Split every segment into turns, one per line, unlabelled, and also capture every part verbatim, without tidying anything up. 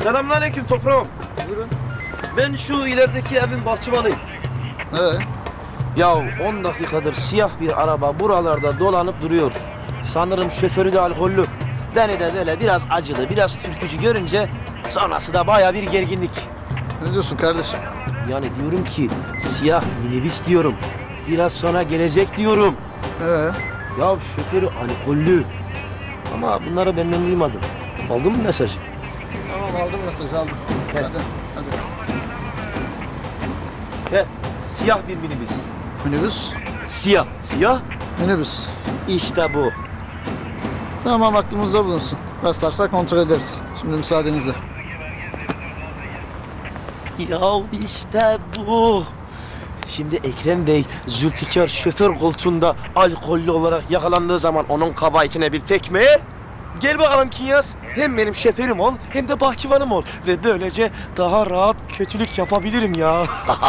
Selamünaleyküm toprağım.
Buyurun.
Ben şu ilerideki evin bahçıvanıyım.
Evet.
Ya on dakikadır siyah bir araba buralarda dolanıp duruyor. Sanırım şoförü de alkollü. Beni de böyle biraz acılı, biraz türkücü görünce sonrası da baya bir gerginlik.
Ne diyorsun kardeşim?
Yani diyorum ki siyah minibüs diyorum. Biraz sonra gelecek diyorum.
Ee,
Ya şoförü alkollü. Ama bunları benden duymadım. Aldın mı mesajı?
tamam aldım mesajı aldım.
Evet.
Hadi, hadi.
He, siyah bir minibüs.
Minibüs.
Siyah, siyah.
Minibüs.
İşte bu.
Tamam aklımızda bulunsun. Rastlarsak kontrol ederiz. Şimdi müsaadenizle.
Ya işte bu. Şimdi Ekrem Bey Zülfikar şoför koltuğunda alkollü olarak yakalandığı zaman onun kabahatine bir tekme. Gel bakalım Kinyas. Hem benim şoförüm ol hem de bahçıvanım ol. Ve böylece daha rahat kötülük yapabilirim ya.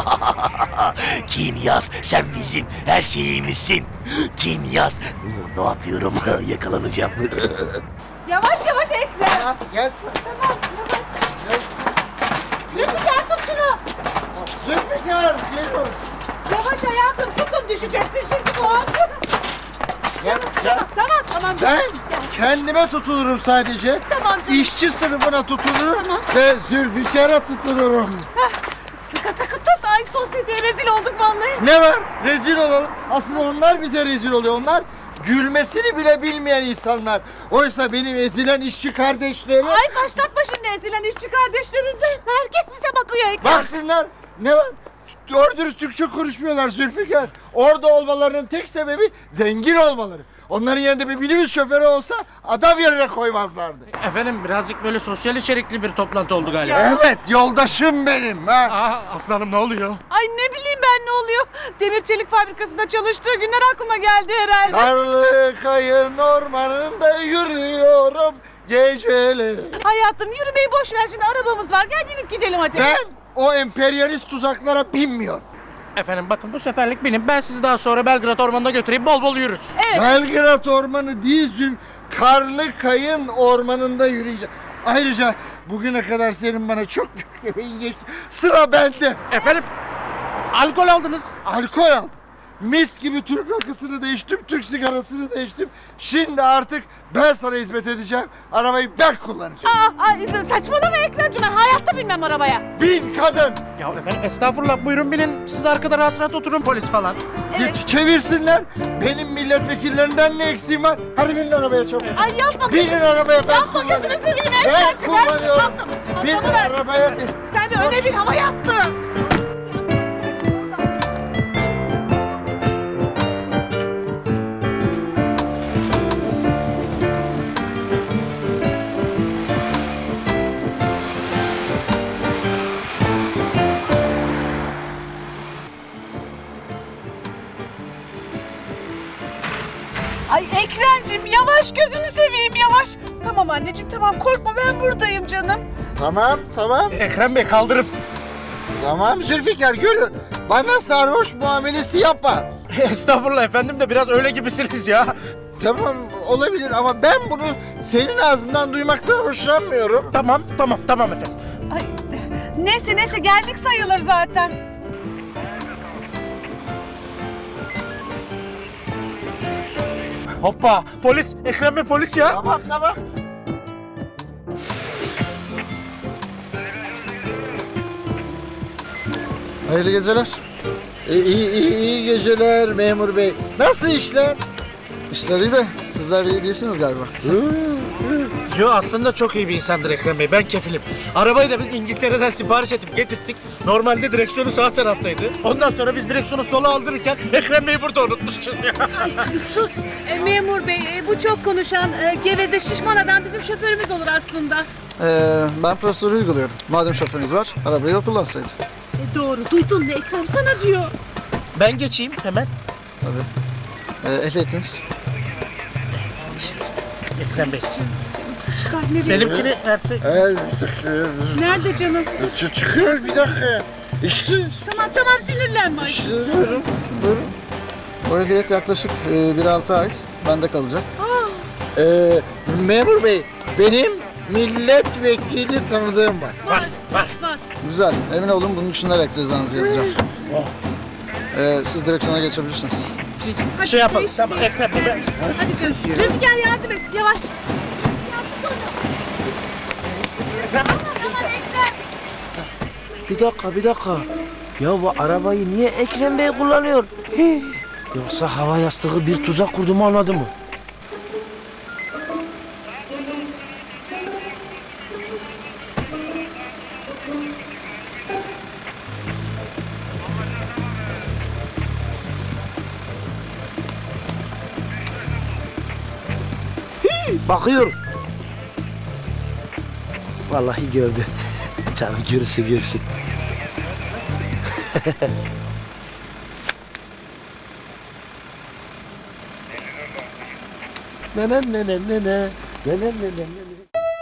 Kinyas, sen bizim her şeyimizsin. Kinyas, ne yapıyorum? Yakalanacağım.
Yavaş yavaş Ekrem.
Gel.
Tamam yavaş. Zülfikar tut şunu.
Zülfikar geliyor.
Yavaş hayatım tutun düşeceksin şimdi bu an.
Gel, gel.
Tamam tamam.
Ben
Gel.
kendime tutulurum sadece.
Tamam canım.
İşçi sınıfına tutulurum
Tamam.
ve Zülfikar'a tutulurum.
Sıkı sıkı tut. Ay sosyeteye rezil olduk vallahi.
Ne var? Rezil olalım. Aslında onlar bize rezil oluyor. Onlar gülmesini bile bilmeyen insanlar. Oysa benim ezilen işçi kardeşlerim...
Ay başlatma şimdi ezilen işçi kardeşlerinden. Herkes bize bakıyor Ekrem.
Baksınlar. Ne var? Doğru dürüst Türkçe konuşmuyorlar Zülfikar. Orada olmalarının tek sebebi zengin olmaları. Onların yerinde bir minibüs şoförü olsa adam yerine koymazlardı.
Efendim birazcık böyle sosyal içerikli bir toplantı oldu galiba.
Evet, yoldaşım benim. Ha?
Aa, aslanım ne oluyor?
Ay ne bileyim ben ne oluyor. Demir çelik fabrikasında çalıştığı günler aklıma geldi herhalde.
Karlı kayın ormanında yürüyorum geceleri.
Hayatım yürümeyi boş ver şimdi arabamız var. Gel binip gidelim hadi.
Ben o emperyalist tuzaklara binmiyorum.
Efendim bakın bu seferlik benim. Ben sizi daha sonra Belgrad Ormanı'na götüreyim. Bol bol yürürüz.
Evet.
Belgrad Ormanı değil Zül, Karlı Kayın Ormanı'nda yürüyeceğim. Ayrıca bugüne kadar senin bana çok büyük emeğin geçti. Sıra bende.
Efendim alkol aldınız.
Alkol al. Mis gibi Türk rakısını da içtim, Türk sigarasını da içtim. Şimdi artık ben sana hizmet edeceğim. Arabayı ben kullanacağım.
Aa, ay, saçmalama Ekrem'cim ben hayatta binmem arabaya.
Bin kadın.
Ya efendim estağfurullah buyurun binin. Siz arkada rahat rahat oturun polis falan.
Geç çevirsinler. Benim milletvekillerinden ne eksiğim var? Hadi binin arabaya çabuk.
Ay yapma.
Binin arabaya ben
Yapma
kullanıyorum.
gözünü seveyim
Ben
Ekrem'cim. Ver şu
kullanıyorum.
çantamı.
Binin
Çantamı ver.
arabaya.
Sen de öne bin hava yastığı. Ay Ekrem'cim yavaş gözünü seveyim yavaş. Tamam anneciğim tamam korkma ben buradayım canım.
Tamam, tamam.
Ekrem Bey kaldırın.
Tamam Zülfikar gülün. Bana sarhoş muamelesi yapma.
Estağfurullah efendim de biraz öyle gibisiniz ya.
Tamam olabilir ama ben bunu senin ağzından duymaktan hoşlanmıyorum.
Tamam tamam tamam efendim.
Ay neyse neyse geldik sayılır zaten.
Hoppa polis Ekrem Bey polis ya.
Tamam, tamam. Hayırlı geceler. İyi, iyi, iyi, iyi geceler memur bey. Nasıl işler? İşler iyi de sizler iyi değilsiniz galiba.
Yo aslında çok iyi bir insandır Ekrem Bey. Ben kefilim. Arabayı da biz İngiltere'den sipariş edip getirttik. Normalde direksiyonu sağ taraftaydı. Ondan sonra biz direksiyonu sola aldırırken Ekrem Bey'i burada unutmuşuz ya.
Sus e, memur bey e, bu çok konuşan e, geveze şişman adam bizim şoförümüz olur aslında.
Ee, ben prosedürü uyguluyorum. Madem şoförünüz var, arabayı o kullansaydı.
E, doğru duydun mu Ekrem sana diyor.
Ben geçeyim hemen.
Tabii. Ee, ehliyetiniz.
Ekrem Bey.
Çıkar nereye?
Benimkini versek.
Nerede canım?
Ç- çıkıyor bir dakika. İşte.
Tamam tamam sinirlenme. Ay.
İşte buyurun. Buyurun. O ehliyet yaklaşık e, bir altı ay bende kalacak. Ee, memur bey, benim milletvekili tanıdığım var.
Var, var.
Güzel. Emin olun bunun düşünerek cezanızı yazacağım. Ee, siz direksiyona geçebilirsiniz.
Şey yapalım. Tamam Ekrem Bey. ben-
Hadi canım. Zülfikar yardım et. Yavaş.
Bir dakika, bir dakika. Ya bu arabayı niye Ekrem Bey kullanıyor? Hii. Yoksa hava yastığı bir tuzak kurdu mu anladı mı? Hii, bakıyor. Vallahi gördü. Canım görürse görsün. Ne ne ne ne ne ne ne ne ne ne ne.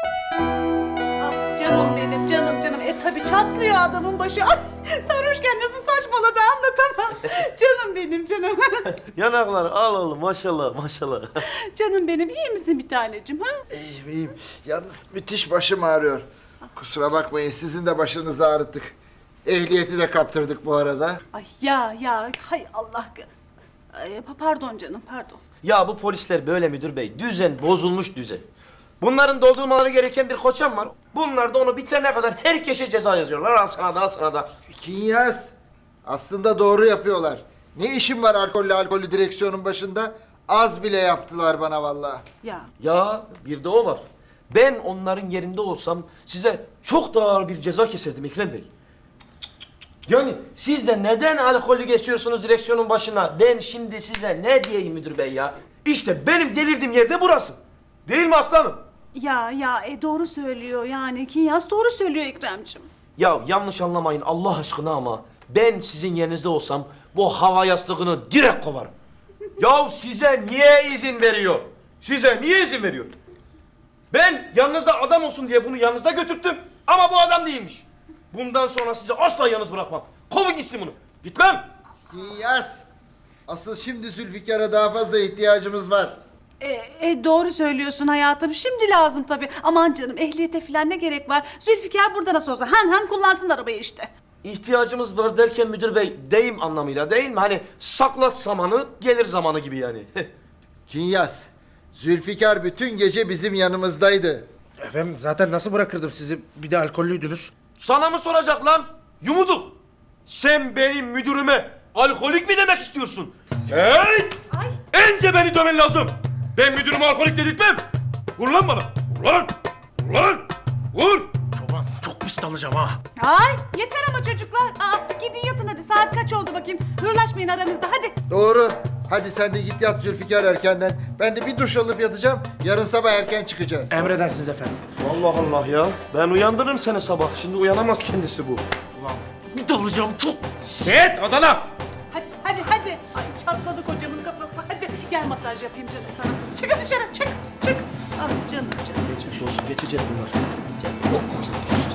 Ah canım benim, canım canım. E tabii çatlıyor adamın başı. Ay, sarhoşken nasıl saçmaladı anlatamam. Canım benim, canım.
Yanaklar al oğlum maşallah maşallah.
Canım benim, iyi misin bir tanecim ha?
İyiyim iyiyim. Yalnız müthiş başım ağrıyor. Kusura bakmayın sizin de başınızı ağrıttık. Ehliyeti de kaptırdık bu arada.
Ay ya ya, hay Allah. Ay, pa- pardon canım, pardon.
Ya bu polisler böyle müdür bey. Düzen bozulmuş düzen. Bunların doldurmaları gereken bir koçam var. Bunlar da onu bitirene kadar herkese ceza yazıyorlar. Al sana da al sana da.
Kinyas. Aslında doğru yapıyorlar. Ne işim var alkollü alkollü direksiyonun başında? Az bile yaptılar bana vallahi.
Ya
Ya bir de o var. Ben onların yerinde olsam size çok daha ağır bir ceza keserdim Ekrem Bey. Yani siz de neden alkollü geçiyorsunuz direksiyonun başına? Ben şimdi size ne diyeyim müdür bey ya? İşte benim delirdiğim yerde burası. Değil mi aslanım?
ya ya, e doğru söylüyor yani. Kinyas doğru söylüyor Ekrem'cim.
Ya yanlış anlamayın Allah aşkına ama ben sizin yerinizde olsam bu hava yastığını direkt kovarım. Ya size niye izin veriyor? Size niye izin veriyor? Ben yanınızda adam olsun diye bunu yanınızda götürttüm ama bu adam değilmiş. Bundan sonra sizi asla yalnız bırakmam. Kovun gitsin bunu. Git lan.
Kinyas. Asıl şimdi Zülfikar'a daha fazla ihtiyacımız var.
E, e, doğru söylüyorsun hayatım. Şimdi lazım tabii. Aman canım, ehliyete falan ne gerek var? Zülfikar burada nasıl olsa han han kullansın arabayı işte.
İhtiyacımız var derken müdür bey deyim anlamıyla değil mi? Hani saklat zamanı gelir zamanı gibi yani.
Kinyas. Zülfikar bütün gece bizim yanımızdaydı.
Efendim zaten nasıl bırakırdım sizi? Bir de alkollüydünüz.
Sana mı soracak lan? Yumuduk. Sen benim müdürüme alkolik mi demek istiyorsun? Hey!
Ay.
Önce beni dömen lazım. Ben müdürüme alkolik dedirtmem. Vur lan bana. Vur lan. Vur lan. Vur.
Çoban çok pis dalacağım ha.
Ay yeter ama çocuklar. Aa, gidin yatın hadi. Saat kaç oldu bakayım. Hırlaşmayın aranızda hadi.
Doğru. Hadi sen de git yat Zülfikar erkenden. Ben de bir duş alıp yatacağım. Yarın sabah erken çıkacağız.
Emredersiniz efendim.
Allah Allah ya. Ben uyandırırım seni sabah. Şimdi uyanamaz kendisi bu.
Bir dalacağım çok.
Set Adana.
Hadi hadi hadi. Ay çatladı kocamın kafası. Hadi gel masaj yapayım canım sana. Çıkın dışarı çık çık. Ah canım canım.
Geçmiş olsun. Geçecek bunlar.
Canım, canım.